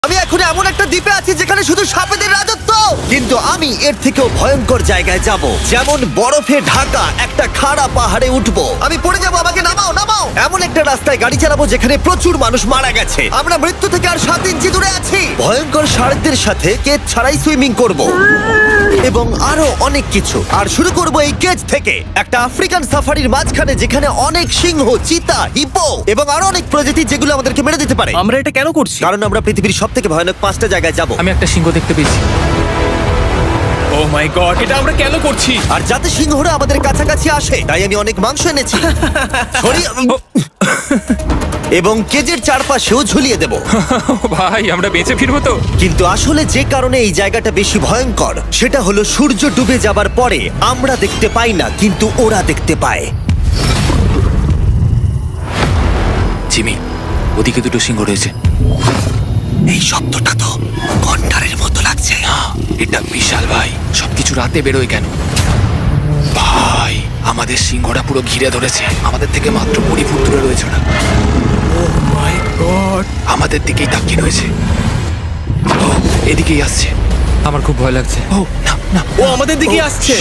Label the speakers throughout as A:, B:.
A: আমি এখন এমন একটা দ্বীপে আছি যেখানে শুধু সাপেদের রাজত্ব, কিন্তু আমি এর থেকেও ভয়ঙ্কর জায়গায় যাব, যেমন বরফে ঢাকা একটা খাড়া পাহাড়ে উঠবো। আমি পড়ে যাবো, আমাকে নামাও নামাও। এমন একটা রাস্তায় গাড়ি চালাবো যেখানে প্রচুর মানুষ মারা গেছে। আমরা মৃত্যু থেকে আর 7 ইঞ্চি দূরে আছি। ভয়ঙ্কর শার্কদের সাথে কেজ ছাড়াই সুইমিং করব এবং আরো অনেক কিছু। আর শুরু করব এই কেজ থেকে, একটা আফ্রিকান সাফারির মাঝখানে যেখানে অনেক সিংহ, চিতা, হিপো এবং আরো অনেক প্রজাতি যেগুলো আমাদেরকে মেরে দিতে পারে।
B: আমরা এটা কেন করছি?
A: কারণ আমরা পৃথিবীর সবথেকে ভয়ানক 5টা জায়গায় যাব।
C: আমি একটা সিংহ দেখতে পেয়েছি।
B: ও মাই গড, এটা আমরা কেন করছি?
A: আর যাতে সিংহরা আমাদের কাছাকাছি আসে তাই আমি অনেক মাংস এনেছি। এবং কেজের চারপাশেও ঝুলিয়ে দেব।
C: ভাই আমরা বেঁচে ফিরবো তো?
A: কিন্তু আসলে যে কারণে এই জায়গাটা বেশি ভয়ঙ্কর সেটা হলো সূর্য ডুবে যাবার পরে আমরা দেখতে পাই না, কিন্তু ওরা দেখতে পায়।
C: জিমি, ওদিকে দুটো সিংহ রয়েছে।
A: এই শব্দটা তো কণ্ঠারের মতো লাগছে।
C: না, এটা বিশাল ভাই। সবকিছু রাতে বেরোয় কেন? ভাই, আমাদের সিংহটা পুরো ঘিরে ধরেছে। আমাদের থেকে মাত্র 20 ফুট দূরে রয়েছে ওরা।
B: ও মাই গড,
C: আমাদের দিকেই তাকিয়ে রয়েছে। ও এদিকেই আসছে। আমার খুব ভয় লাগছে। ও না না,
B: ও আমাদের দিকে আসছে।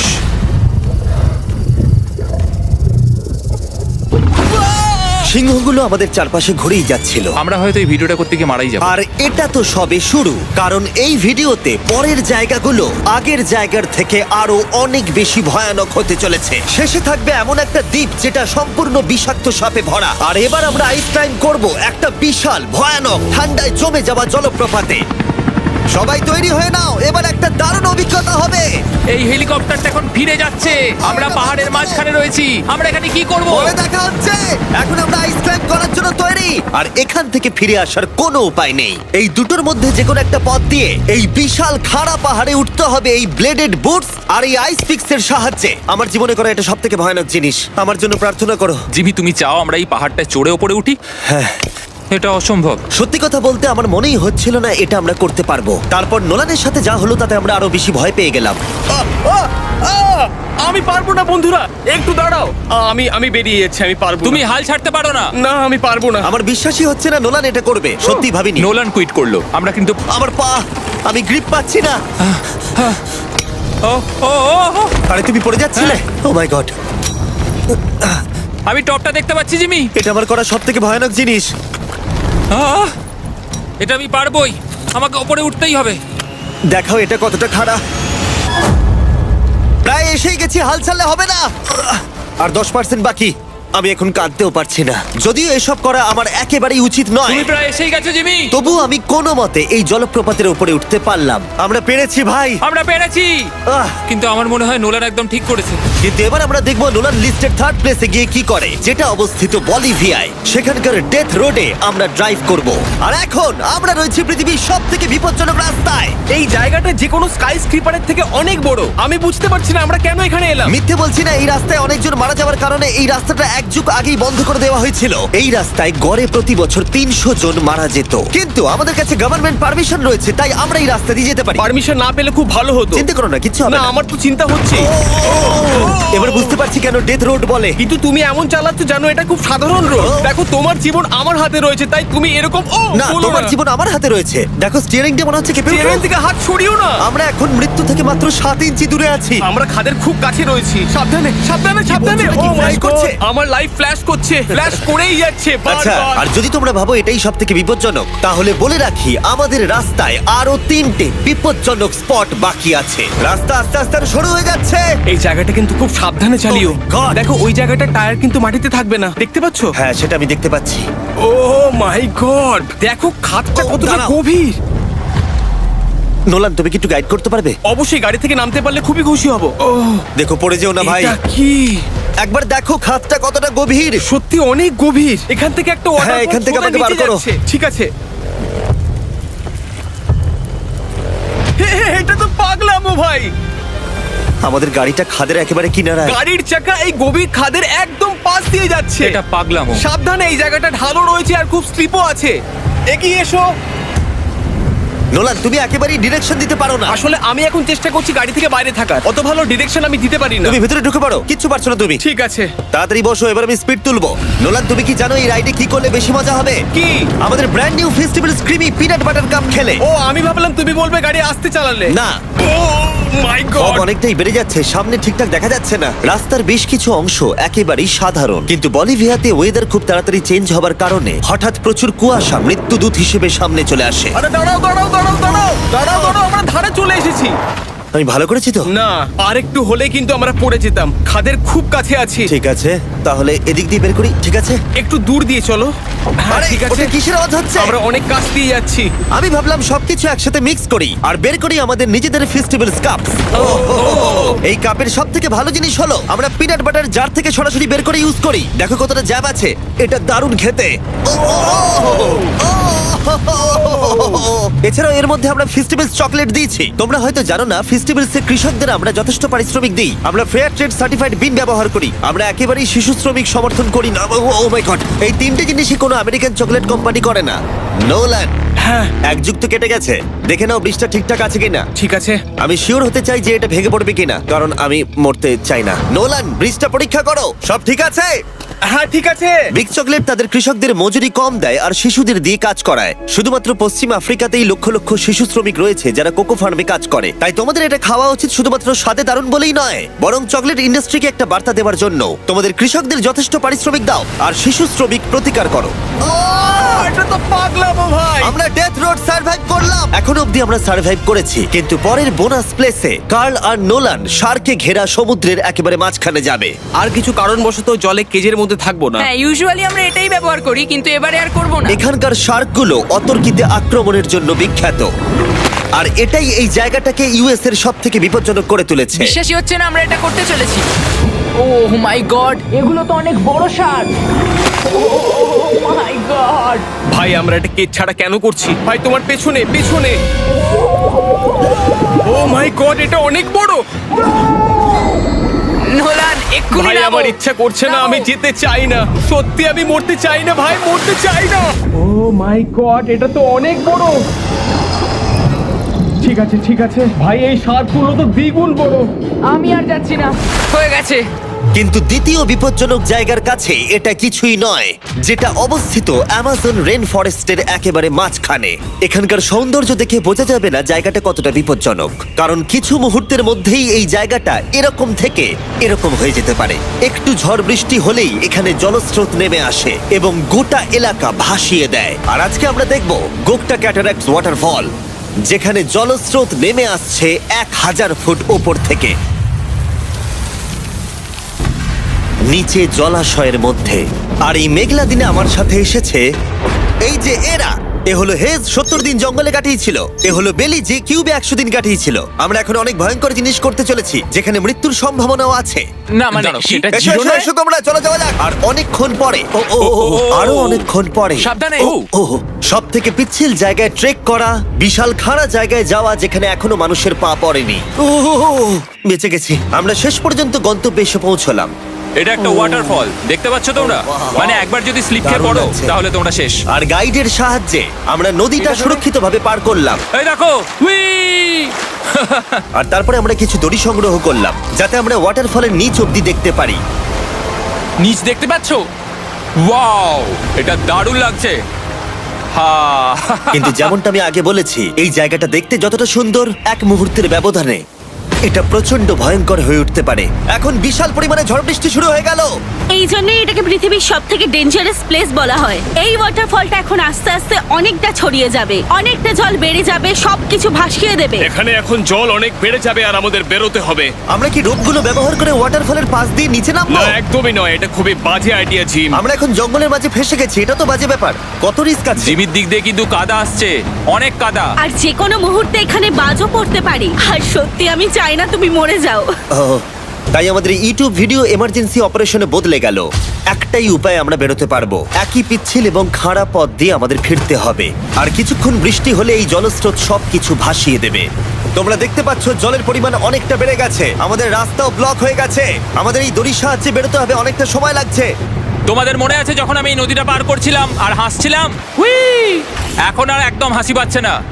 A: সিংহগুলো আমাদের চারপাশে ঘুরেই যাচ্ছিল।
C: আমরা হয়তো এই ভিডিওটা করতে গিয়ে মারাই যাবো।
A: আর এটা তো সবে শুরু, কারণ এই ভিডিওতে পরের জায়গাগুলো আগের জায়গার থেকে আরো অনেক বেশি ভয়ানক হতে চলেছে। শেষে থাকবে এমন একটা দ্বীপ যেটা সম্পূর্ণ বিষাক্ত সাপে ভরা। আর এবার আমরা আইস ক্লাইম্ব করব একটা বিশাল ভয়ানক ঠান্ডায় জমে যাওয়া জলপ্রপাতে। সবাই তৈরি হয়ে নাও, এবার একটা দারুণ অভিজ্ঞতা হবে।
C: এই হেলিকপ্টারটা এখন ফিরে যাচ্ছে। আমরা পাহাড়ের মাঝখানে রয়েছি। আমরা এখানে কি করব?
A: পরে দেখা হচ্ছে। এখন আমরা আইস ক্লাইম্ব করার জন্য তৈরি, আর এখান থেকে ফিরে আসার কোনো উপায় নেই। এই দুটোর মধ্যে যে কোনো একটা পথ দিয়ে এই বিশাল খাড়া পাহাড়ে উঠতে হবে এই ব্লেডেড বুটস আর এই আইস পিক্সের সাহায্যে। আমার জীবনে করা এটা সবথেকে ভয়ানক জিনিস। আমার জন্য প্রার্থনা করো।
C: জিমি, তুমি চাও আমরা এই পাহাড়টা চড়ে ওপরে উঠি?
A: হ্যাঁ,
C: এটা অসম্ভব।
A: সত্যি কথা বলতে আমার মনেই হচ্ছিল না এটা আমরা করতে পারবো। তারপর নোলানের সাথে যা হলো তাতে আমরা আরো বেশি ভয় পেয়ে গেলাম।
B: আমি পারবো না বন্ধুরা, একটু দাঁড়াও। আমি বেরিয়ে যাচ্ছি, আমি পারবো
C: তুমি
B: না।
C: হাল ছাড়তে পারো না।
B: না, আমি পারবো না।
A: আমার বিশ্বাসই হচ্ছে না নোলান এটা করবে। সত্যি ভাবিনি।
C: নোলান কুইট করলো। আমরা কিন্তু
A: আমার পা, আমি গ্রিপ পাচ্ছি না।
C: ও ও ও ও,
A: আরে তুমি পড়ে যাচ্ছিলে? ও মাই গড,
C: আমি টপটা দেখতে পাচ্ছি জিমি।
A: এটা আমার করা সবথেকে ভয়ানক জিনিস।
C: আহ! এটা আমি পারবোই। আমাকে ওপরে উঠতেই হবে।
A: দেখাও এটা কতটা খাড়া। প্রায় এসেই গেছি, হাল ছাড়লে হবে না। আর 10% বাকি। আমি এখন কাঁদতেও পারছি না, যদিও এসব করা আমার একেবারেই উচিত নয়।
C: তুমি প্রায় এসেই গেছো জিমি।
A: তবু আমি কোনো মতে এই জলপ্রপাতের উপরে উঠতে পারলাম। আমরা পেরেছি ভাই।
C: আমরা পেরেছি।
A: আহ,
C: কিন্তু আমার মনে হয় নোলান একদম ঠিক করেছে।
A: কিন্তু এবার আমরা দেখবো নোলান লিস্টের 3rd প্লেসে গিয়ে কি করে, যেটা অবস্থিত বলিভিয়ায়। সেখানকার ডেথ রোডে আমরা ড্রাইভ করব। আর এখন আমরা রয়েছি পৃথিবীর সবথেকে বিপজ্জনক রাস্তায়।
B: এই জায়গাটা যে কোনো স্কাই স্ক্রিপারের থেকে অনেক বড়। আমি বুঝতে পারছি না আমরা কেন এখানে এলাম।
A: মিথ্যে বলছি না, এই রাস্তায় অনেকজন মারা যাওয়ার কারণে এই রাস্তাটা 1 যুগ আগেই বন্ধ করে দেওয়া হয়েছিল। এই রাস্তায় গড়ে প্রতি বছর 300 জন মারা যেত, কিন্তু আমাদের কাছে গভর্নমেন্ট পারমিশন রয়েছে, তাই আমরা এই রাস্তা দিয়ে যেতে পারি।
B: পারমিশন না পেলে খুব ভালো হতো।
A: চিন্তা করো না, কিচ্ছু হবে
B: না,
A: না।
B: আমার তো চিন্তা হচ্ছে।
A: এবার বুঝতে পারছি কেন ডেথ রোড বলে।
B: কিন্তু তুমি এমন চালাচ্ছ জানো এটা খুব সাধারণ রোড।
A: ও।
B: দেখো, তোমার জীবন আমার হাতে রয়েছে, তাই তুমি এরকম
A: না, তোমার জীবন আমার হাতে রয়েছে। দেখো স্টিয়ারিংটা মনে হচ্ছে কেঁপে উঠলো।
B: থেকে হাত ছড়িও না।
A: আমরা এখন মৃত্যু থেকে মাত্র 7 ইঞ্চি দূরে আছি।
B: আমরা খাদের খুব কাছে রয়েছি। সাবধানে সাবধানে সাবধানে।
A: বলছো,
B: ও
A: নাকি
B: মাই
A: flash
B: গড,
A: করছে?
B: আমার লাইফ ফ্ল্যাশ করছে, ফ্ল্যাশ করেই যাচ্ছে
A: আচ্ছা,
B: বারবার।
A: আর যদি তোমরা ভাবো এটাই সব থেকে বিপজ্জনক, তাহলে বলে রাখি আমাদের রাস্তায় আরো 3টে বিপজ্জনক স্পট বাকি আছে। রাস্তা আস্তে আস্তে আরো সরু হয়ে যাচ্ছে।
B: এই জায়গাটা কিন্তু খুব সাবধানে চালিও।
A: Oh my God!
B: দেখো, ওই জায়গাটা টায়ার কিন্তু মাটিতে থাকবে না, দেখতে পাচ্ছো?
A: হ্যাঁ, সেটা আমি দেখতে পাচ্ছি।
B: ও মাই গড, দেখো খাদটা
A: Oh,
B: কতটা
A: দাঁড়াও।
B: গভীর।
A: নোলান, তুমি কি একটু গাইড করতে পারবে?
B: অবশ্যই, গাড়ি থেকে নামতে পারলে খুবই খুশি হব। ও,
A: দেখো পড়ে যেও না ভাই।
B: এটা কি?
A: একবার দেখো খাতটা কতটা গভীর।
B: সত্যি অনেক গভীর। এখান থেকে একটা ওয়াটার
A: হ্যাঁ, এখান থেকে আমাকে বার করো।
B: ঠিক আছে। এটা তো পাগলামো ভাই।
A: আমাদের গাড়িটা খাদের একেবারে কিনারায়।
B: গাড়ির চাকা এই গভীর খাদের একদম পাশ দিয়ে যাচ্ছে।
C: এটা পাগলামো।
B: সাবধানে, এই জায়গাটা ঢালু রয়েছে আর খুব স্লিপও আছে। এগিয়ে এসো।
A: নোলান, তুমি একেবারেই ডিরেকশন দিতে পারো না।
B: আসলে আমি এখন চেষ্টা করছি গাড়ি থেকে বাইরে থাকার, অত ভালো ডিরেকশন আমি দিতে পারি না।
A: তুমি ভিতরে ঢুকে পারো, কিচ্ছু পারছো না তুমি।
B: ঠিক আছে।
A: তাড়াতাড়ি বসো, এবার আমি স্পিড তুলবো। নোলান, তুমি কি জানো এই রাইডে কি করলে বেশি মজা হবে?
B: কি?
A: আমাদের brand new festival screamy peanut butter cup খেলে।
B: ও, আমি ভাবলাম তুমি বলবে গাড়ি আসতে চালালে।
A: না,
B: ও মাই
A: ফগ
B: গড।
A: অনেকটাই বেড়ে যাচ্ছে, সামনে ঠিকঠাক দেখা যাচ্ছে না। রাস্তার বেশ কিছু অংশ একেবারেই সাধারণ, কিন্তু বলিভিয়াতে ওয়েদার খুব তাড়াতাড়ি চেঞ্জ হবার কারণে হঠাৎ প্রচুর কুয়াশা মৃত্যুদূত হিসেবে সামনে চলে আসে।
B: আরে দাঁড়াও দাঁড়াও দাঁড়াও দাঁড়াও দাঁড়াও দাঁড়াও, আমরা ধারে চলে এসেছি।
A: আমি ভালো করেছি তো?
B: না, আর একটু হলে কিন্তু আমরা পড়ে যেতাম, খাদের খুব কাছে আছি।
A: ঠিক আছে, তাহলে এদিক দিয়ে বের করি। ঠিক আছে,
B: একটু দূর দিয়ে চলো। হ্যাঁ
A: আরে,
B: ঠিক আছে।
A: ওটা কিসের আওয়াজ হচ্ছে?
B: আমরা অনেক কাছ দিয়ে যাচ্ছি।
A: আমি ভাবলাম সবকিছু একসাথে মিক্স করি আর বের করি আমাদের নিজেদের ফেস্টিভ্যাল কাপ। এই কাপের সব থেকে ভালো জিনিস হলো আমরা পিনাট বাটার জার থেকে সরাসরি বের করে ইউজ করি। দেখো কতটা জ্যাব আছে, এটা দারুণ খেতে। এছাড়াও এর মধ্যে আমরা ফেস্টিভ্যালস চকলেট দিয়েছি। তোমরা হয়তো জানো না, ফেস্টিভ্যালস এর কৃষকদের আমরা যথেষ্ট পারিশ্রমিক দিই। আমরা ফেয়ার ট্রেড সার্টিফাইড বিন ব্যবহার করি। আমরা একেবারেই শিশু শ্রমিক সমর্থন করি না। ও মাই গড, এই তিনটে জিনিসই কোনো আমেরিকান চকলেট কোম্পানি করে না। নোলান,
B: হ্যাঁ
A: এক যুগ তো কেটে গেছে, দেখে নাও ব্রিজটা ঠিকঠাক আছে কিনা।
B: ঠিক আছে।
A: আমি শিওর হতে চাই যে এটা ভেঙে পড়বে কিনা, কারণ আমি মরতে চাই না। নোলান, ব্রিজটা পরীক্ষা করো, সব ঠিক আছে?
B: হ্যাঁ ঠিক আছে।
A: বিগ চকলেট তাদের কৃষকদের মজুরি কম দেয় আর শিশুদের দিয়ে কাজ করায়। শুধুমাত্র পশ্চিম আফ্রিকাতেই লক্ষ লক্ষ শিশু শ্রমিক রয়েছে যারা কোকো ফার্মে কাজ করে। তাই তোমাদের এটা খাওয়া উচিত শুধুমাত্র স্বাদে দারুণ বলেই নয়, বরং চকলেট ইন্ডাস্ট্রিকে একটা বার্তা দেওয়ার জন্য। তোমাদের কৃষকদের যথেষ্ট পারিশ্রমিক দাও আর শিশু শ্রমিক প্রতিকার করো।
B: এটা তো পাগলামো ভাই।
A: আমরা ডেথ রোড সার্ভাইভ করলাম। এখন অবধি আমরা সার্ভাইভ করেছি, কিন্তু পরের বোনাস প্লেসে কার্ল আর নোলান শার্কে ঘেরা সমুদ্রের একেবারে মাঝখানে যাবে।
B: আর কিছু কারণবশত জলে কেজের মধ্যে থাকবো না।
D: হ্যাঁ, ইউজুয়ালি আমরা এটাই ব্যবহার করি, কিন্তু এবারে আর করব না।
A: এখানকার শার্কগুলো অতর্কিতে আক্রমণের জন্য বিখ্যাত, আর এটাই এই জায়গাটাকে ইউএস এর সব থেকে বিপজ্জনক করে তুলেছে।
D: বিশ্বাসই হচ্ছে না আমরা এটা করতে চলেছি। ও মাই গড, এগুলো তো অনেক বড় শার্ক। ও মাই গড।
B: ভাই আমরা এটা কেজ ছাড়া কেন করছি? ভাই তোমার পেছনে পেছনে। ও মাই গড, এটা অনেক বড়।
D: নোলান, এক্ষুনি
B: ভাই
D: নামো।
B: আমার ইচ্ছা করছে না, আমি যেতে চাই না। সত্যি আমি মরতে চাই না ভাই, মরতে চাই না। ও মাই গড, এটা তো অনেক বড়। ঠিক আছে ঠিক আছে ভাই, এই শার্কগুলো তো দ্বিগুণ বড়।
D: আমি আর যাচ্ছি না, হয়ে গেছে।
A: কিন্তু দ্বিতীয় বিপজ্জনক জায়গার কাছে এটা কিছুই নয়, যেটা অবস্থিত অ্যামাজন রেন ফরেস্টের একেবারে মাঝখানে। এখানকার সৌন্দর্য দেখে বোঝা যাবে না জায়গাটা কতটা বিপজ্জনক, কারণ কিছু মুহূর্তের মধ্যেই এই জায়গাটা এরকম থেকে এরকম হয়ে যেতে পারে। একটু ঝড় বৃষ্টি হলেই এখানে জলস্রোত নেমে আসে এবং গোটা এলাকা ভাসিয়ে দেয়। আর আজকে আমরা দেখব গোকটা ক্যাটারাক্টস ওয়াটারফল, যেখানে জলস্রোত নেমে আসছে 1000 ফুট ওপর থেকে নিচে জলাশয়ের মধ্যে। আর এই মেঘলা দিনে আমার সাথে এসেছে এই যে এরা। এ হলো হেজ, 70 দিন জঙ্গলে কাটিয়েছিল। এ হলো বেলি, যে কিউবে 100 দিন কাটিয়েছিল। আমরা এখন অনেক ভয়ঙ্কর জিনিস করতে চলেছি, যেখানে মৃত্যুর সম্ভাবনাও আছে।
C: না মানে সেটা
A: এসো,
C: ছিল
A: এসো,
C: না।
A: এসো তোমরা, চলো যাওয়া যাক। আর অনেকক্ষণ পরে আরো অনেকক্ষণ পরে
C: সাবধানে।
A: সব থেকে পিচ্ছিল জায়গায় ট্রেক করা, বিশাল খাড়া জায়গায় যাওয়া যেখানে এখনো মানুষের পা পড়েনি। বেঁচে গেছি। আমরা শেষ পর্যন্ত গন্তব্যে এসে পৌঁছলাম।
E: এটা একটা ওয়াটারফল, দেখতে পাচ্ছ তোমরা? মানে একবার যদি স্লিপ খেয়ে
A: দারুণ
E: পড়ো
A: লাগছে।
E: তাহলে তোমরা শেষ।
A: আর গাইডের সাহায্যে আমরা নদীটা সুরক্ষিতভাবে পার করলাম।
E: এই দেখো, উই!
A: আর তারপরে আমরা কিছু দড়ি সংগ্রহ করলাম, যাতে আমরা ওয়াটারফলের নিচ অব্দি দেখতে পারি।
E: নিচ দেখতে পাচ্ছ? ওয়াও, এটা দারুণ লাগছে। হা!
A: কিন্তু যেমনটা আমি আগে বলেছি, এই জায়গাটা দেখতে যতটা সুন্দর, এক মুহূর্তের ব্যবধানে এটা প্রচন্ড ভয়ঙ্কর হয়ে উঠতে পারে। এখন বিশাল পরিমাণে ঝড় বৃষ্টি শুরু হয়ে গেল।
F: এই জন্যই এটাকে পৃথিবীর সব থেকে ডেঞ্জারাস প্লেস বলা হয়। এই ওয়াটারফলটা এখন আস্তে আস্তে অনেকটা ছড়িয়ে যাবে, অনেকটা জল বেড়ে যাবে, সবকিছু ভাসিয়ে দেবে।
B: এখানে এখন জল অনেক বেড়ে যাবে আর আমাদের বেরোতে হবে।
A: আমরা কি রোপগুলো ব্যবহার করে ওয়াটারফলের পাশ দিয়ে নিচে নামবো?
B: না একদমই নয়, এটা খুবই বাজে আইডিয়া জিম।
A: আমরা এখন জঙ্গলের মাঝে ফেসে গেছি, এটা তো বাজে ব্যাপার। কত রিস্ক আছে।
E: জিমির দিক দিয়ে কিন্তু কাদা আসছে, অনেক কাদা।
F: আর যে কোনো মুহূর্তে এখানে বাজও পড়তে পারি। আর সত্যি আমি চাই না তুমি মরে যাও।
A: তাই আমাদের ইউটিউব ভিডিও এমার্জেন্সি অপারেশনে বদলে গেল। একটাই উপায় আমরা বেরোতে পারবো, একই পিচ্ছিল এবং খাড়া পথ দিয়ে আমাদের ফিরতে হবে। আর কিছুক্ষণ বৃষ্টি হলে এই জলস্রোত সবকিছু ভাসিয়ে দেবে। তোমরা দেখতে পাচ্ছ জলের পরিমাণ অনেকটা বেড়ে গেছে, আমাদের রাস্তাও ব্লক হয়ে গেছে। আমাদের এই দড়ির সাহায্যে বেরোতে হবে, অনেকটা সময় লাগছে।
E: তোমাদের মনে আছে যখন আমি এই নদীটা পার করছিলাম আর হাসছিলাম? উই! এখন আর একদম হাসি পাচ্ছে না।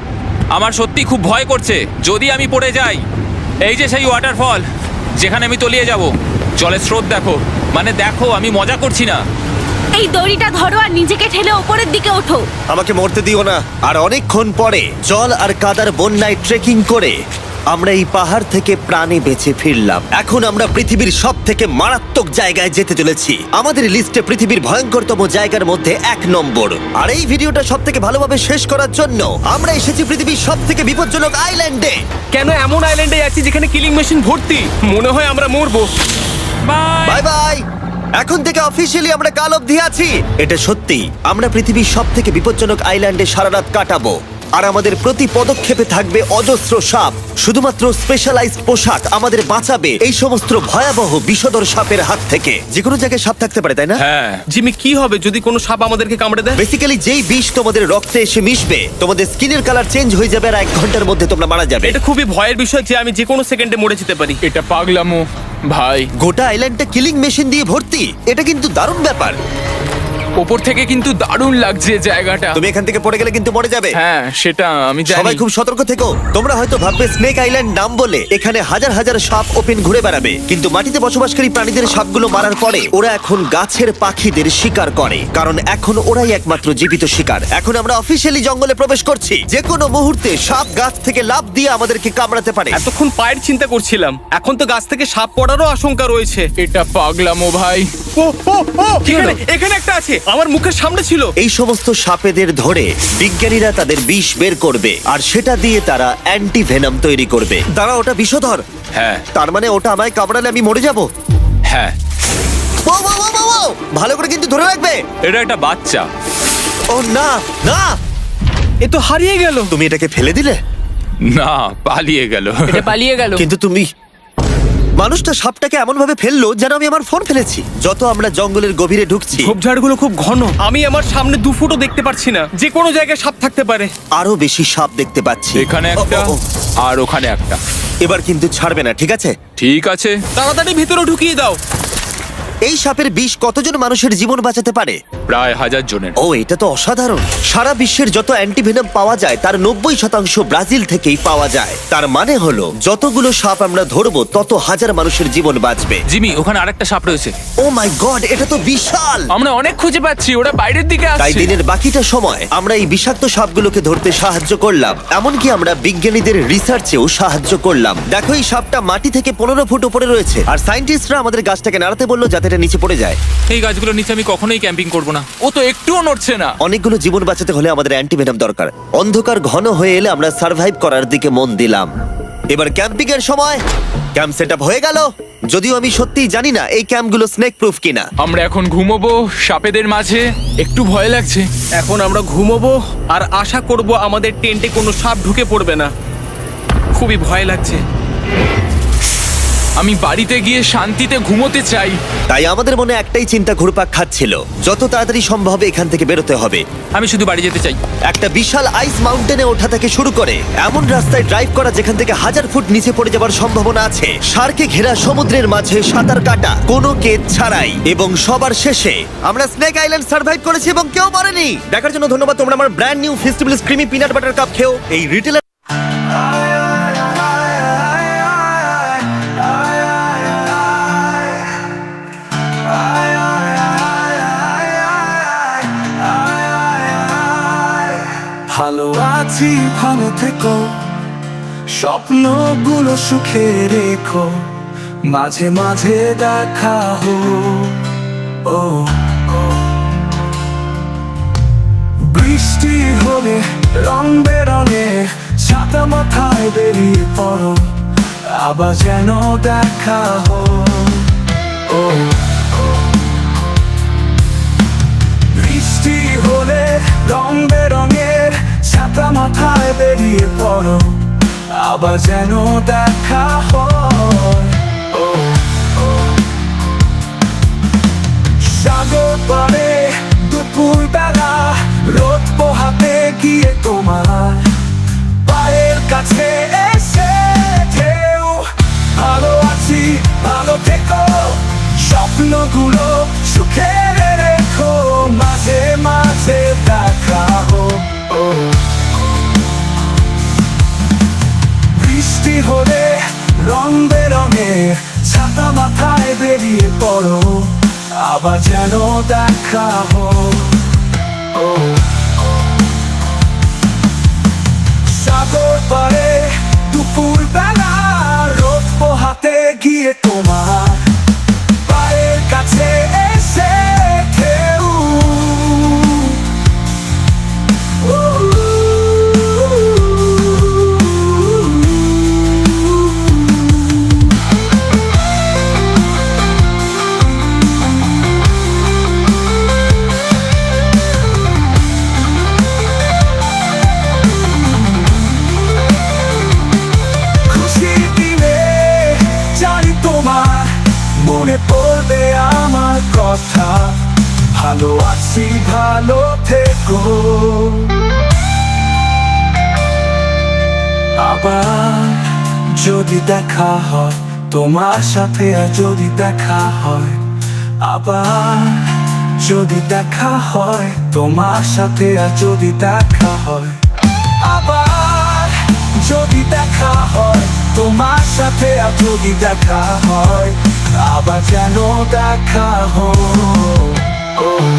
E: আমার সত্যি খুব ভয় করছে, যদি আমি পড়ে যাই। এই যে সেই ওয়াটারফল যেখানে আমি তলিয়ে যাব। জলের স্রোত দেখো, মানে দেখো, আমি মজা করছি না।
F: এই দড়িটা ধরো আর নিজেকে ঠেলে ওপরের দিকে ওঠো।
A: আমাকে মরতে দিও না। আর অনেকক্ষণ পরে জল আর কাদার বন্যায় ট্রেকিং করে আমরা এই পাহাড় থেকে প্রাণে বেঁচে ফিরলাম। এখন আমরা পৃথিবীর সব থেকে মারাত্মক জায়গায় যেতে চলেছি। আমাদের লিস্টে পৃথিবীর ভয়ঙ্করতম জায়গার মধ্যে 1 নম্বর। আর এই ভিডিওটা সব থেকে ভালোভাবে শেষ করার জন্য আমরা এসেছি পৃথিবীর সব থেকে বিপজ্জনক আইল্যান্ডে।
B: কেন এমন আইল্যান্ডে আছি যেখানে কিলিং মেশিন ভর্তি? মনে হয় আমরা মরবো।
E: বাই।
A: Bye bye. এখন থেকে অফিসিয়ালি আমরা কাল অবধি আছি। এটা সত্যি, আমরা পৃথিবীর সব থেকে বিপজ্জনক আইল্যান্ডে সারা রাত কাটাবো। আর আমাদের প্রতি পদক্ষেপে থাকবে অজস্র সাপ। শুধুমাত্র স্পেশালাইজড পোশাক আমাদের বাঁচাবে এই সমস্ত ভয়াবহ বিষধর সাপের হাত থেকে। যে কোনো জায়গায় সাপ থাকতে পারে, তাই না?
E: হ্যাঁ,
B: জিমি, কি হবে যদি কোনো সাপ আমাদেরকে কামড়ে দেয়?
A: বেসিক্যালি যেই বিষ তোমাদের রক্তে এসে মিশবে, তোমাদের স্কিনের কালার চেঞ্জ হয়ে যাবে আর 1 ঘন্টার মধ্যে তোমরা মারা যাবে।
B: এটা খুবই ভয়ের বিষয় যে আমি যে কোনো সেকেন্ডে মরে যেতে পারি।
C: এটা পাগলামো ভাই।
A: গোটা আইল্যান্ডটা কিলিং মেশিন দিয়ে ভর্তি। এটা কিন্তু দারুণ ব্যাপার।
C: ওপর থেকে কিন্তু দারুণ লাগছে জায়গাটা।
A: তুমি এখান থেকে পড়ে গেলে কিন্তু মরে যাবে।
C: হ্যাঁ, সেটা আমি জানি।
A: সবাই খুব সতর্ক থেকো। তোমরা হয়তো ভাববে স্নেক আইল্যান্ড নাম বলে এখানে হাজার হাজার সাপ ওপেন ঘুরে বেড়াবে, কিন্তু মাটিতে বসবাসকারী প্রাণীদের সাপগুলো মারার পরে ওরা এখন গাছের পাখিদের শিকার করে, কারণ এখন ওরাই একমাত্র জীবিত শিকার। এখন আমরা অফিসিয়ালি জঙ্গলে প্রবেশ করছি। যে কোনো মুহূর্তে সাপ গাছ থেকে লাফ দিয়ে আমাদেরকে কামড়াতে পারে।
B: এতক্ষণ পায়ের চিন্তা করছিলাম, এখন তো গাছ থেকে সাপ পড়ারও আশঙ্কা রয়েছে।
C: এটা পাগলামো ভাই।
B: ও ও ও, এখানে একটা আছে, আমার মুখের সামনে ছিল।
A: এই সমস্ত সাপেদের ধরে বিজ্ঞানীরা তাদের বিষ বের করবে, আর সেটা দিয়ে তারা অ্যান্টি ভেনাম তৈরি করবে। তারা ওটা বিষধর।
E: হ্যাঁ,
A: তার মানে ওটা আমায় কামড়ালে আমি মরে যাব।
E: হ্যাঁ।
A: ও, ও, ও, ও, ও! ভালো করে কিন্তু ধরে রাখবে।
E: এটা একটা বাচ্চা।
A: ও না না,
B: এ তো হারিয়ে গেল।
A: তুমি এটাকে ফেলে দিলে।
E: না, পালিয়ে গেল।
D: এটা পালিয়ে গেল।
A: কিন্তু তুমি, মানুষটা সাপটাকে এমন ভাবে ফেললো যেন আমি আমার ফোন ফেলেছি। যত আমরা জঙ্গলের গভীরে ঢুকছি,
B: ঝোপঝাড়গুলো খুব ঘন, আমি আমার সামনে 2 ফুটও দেখতে পারছি না। যে কোনো জায়গায় সাপ থাকতে পারে।
A: আরো বেশি সাপ দেখতে পাচ্ছি।
E: এখানে একটা
A: ও, ও, ও।
E: আর ওখানে একটা।
A: এবার কিন্তু ছাড়বে না, ঠিক আছে?
E: ঠিক আছে।
B: তাড়াতাড়ি ভিতরে ঢুকিয়ে দাও।
A: এই সাপের বিষ কতজন মানুষের জীবন বাঁচাতে পারে?
E: প্রায় 1000 জনের।
A: ও, এটা তো অসাধারণ। সারা বিশ্বের যত অ্যান্টিভেনম পাওয়া যায় তার 90% ব্রাজিল থেকেই পাওয়া যায়। তার মানে হলো যতগুলো সাপ আমরা ধরবো তত হাজার মানুষের জীবন বাঁচবে।
E: জিমি, ওখানে আরেকটা সাপ রয়েছে।
A: ও মাই গড, এটা তো বিশাল।
C: আমরা অনেক খুঁজে পাচ্ছি, ওরা বাইরের দিকে
A: তাই
C: আসছে।
A: দিনের বাকিটা সময় আমরা এই বিষাক্ত সাপগুলোকে ধরতে সাহায্য করলাম। এমনকি আমরা বিজ্ঞানীদের রিসার্চেও সাহায্য করলাম। দেখো, এই সাপটা মাটি থেকে 15 ফুট উপরে রয়েছে, আর সায়েন্টিস্টরা আমাদের গাছটাকে নাড়াতে বললো যাতে এটা নিচে পড়ে যায়।
E: এই গাছগুলোর নিচে আমি কখনোই ক্যাম্পিং করব না।
C: ও তো একটুও নড়ছে না।
A: অনেকগুলো জীবন বাঁচাতে হলে আমাদের অ্যান্টিভেনম দরকার। অন্ধকার ঘন হয়ে এলে আমরা সার্ভাইভ করার দিকে মন দিলাম। এবার ক্যাম্পিং এর সময়। ক্যাম্প সেটআপ হয়ে গেল, যদিও আমি সত্যিই জানি না এই ক্যাম্পগুলো স্নেক প্রুফ কিনা।
C: আমরা এখন ঘুমোবো সাপেদের মাঝে, একটু ভয় লাগছে।
B: এখন আমরা ঘুমোবো আর আশা করব আমাদের টেন্টে কোনো সাপ ঢুকে পড়বে না। খুবই ভয় লাগছে।
C: আমি বাড়িতে গিয়ে শান্তিতে ঘুমোতে চাই।
A: তাই আমাদের মনে একটাই চিন্তা ঘুরপাক খাচ্ছিল, যত তাড়াতাড়ি সম্ভব এখান থেকে বেরোতে হবে।
E: আমি শুধু বাড়ি যেতে চাই।
A: একটা বিশাল আইস মাউন্টেনে ওঠা থেকে শুরু করে এমন রাস্তায় ড্রাইভ করা যেখান থেকে 1000 ফুট নিচে পড়ে যাওয়ার সম্ভাবনা আছে, শার্কে ঘেরা সমুদ্রের মাঝে সাঁতার কাটা কোনো কেদ ছাড়াই, এবং সবার শেষে আমরা স্নেক আইল্যান্ড সার্ভাইভ করেছি এবং কেউ মরেনি। দেখার জন্য ধন্যবাদ। তোমরা আমার brand new festival creamy peanut butter cup খেও। এই রিটেলার
G: ভালো আছি, ভালো থেকো, স্বপ্নগুলো সুখে রেখো, মাঝে মাঝে দেখা হো। ও বৃষ্টি হলে রং বেরঙে ছাতা মাথায় বেরিয়ে পড়ো, আবার যেন দেখা হো। ও বৃষ্টি হলে রং বেরঙের ছাতা মাথায় বেরিয়ে পড়ো, আবার যেন দেখা হয়। ও সাগর পাড়ে দুপুর বেলা রোদ পোহাতে গিয়ে তোমার পায়ের কাছে এসে ঢেউ। ভালো আছি, ভালো থেকো, স্বপ্নগুলো সুখে রেখো, মাঝে মাঝে দেখা হো। হলে রং বেরঙের ছাতা মাথায় বেরিয়ে পড়ো, আবার যেন দেখা হোক। সাগর পারে দুপুর বেলা রোদ পোহাতে গিয়ে তোমার পায়ের কাছে এসে ঢেউ। খুশির দিনে জানি তোমার মনে পড়বে আমার কথা, ভালো আছি ভালো থেকো। আবার যদি দেখা হয় তোমার সাথে, আর যদি দেখা হয় আবার যদি দেখা হয় তোমার সাথে, আর যদি দেখা হয় আবার যদি দেখা হয় তোমার সাথে, আর যদি দেখা হয় আবার যেন দেখা হয়।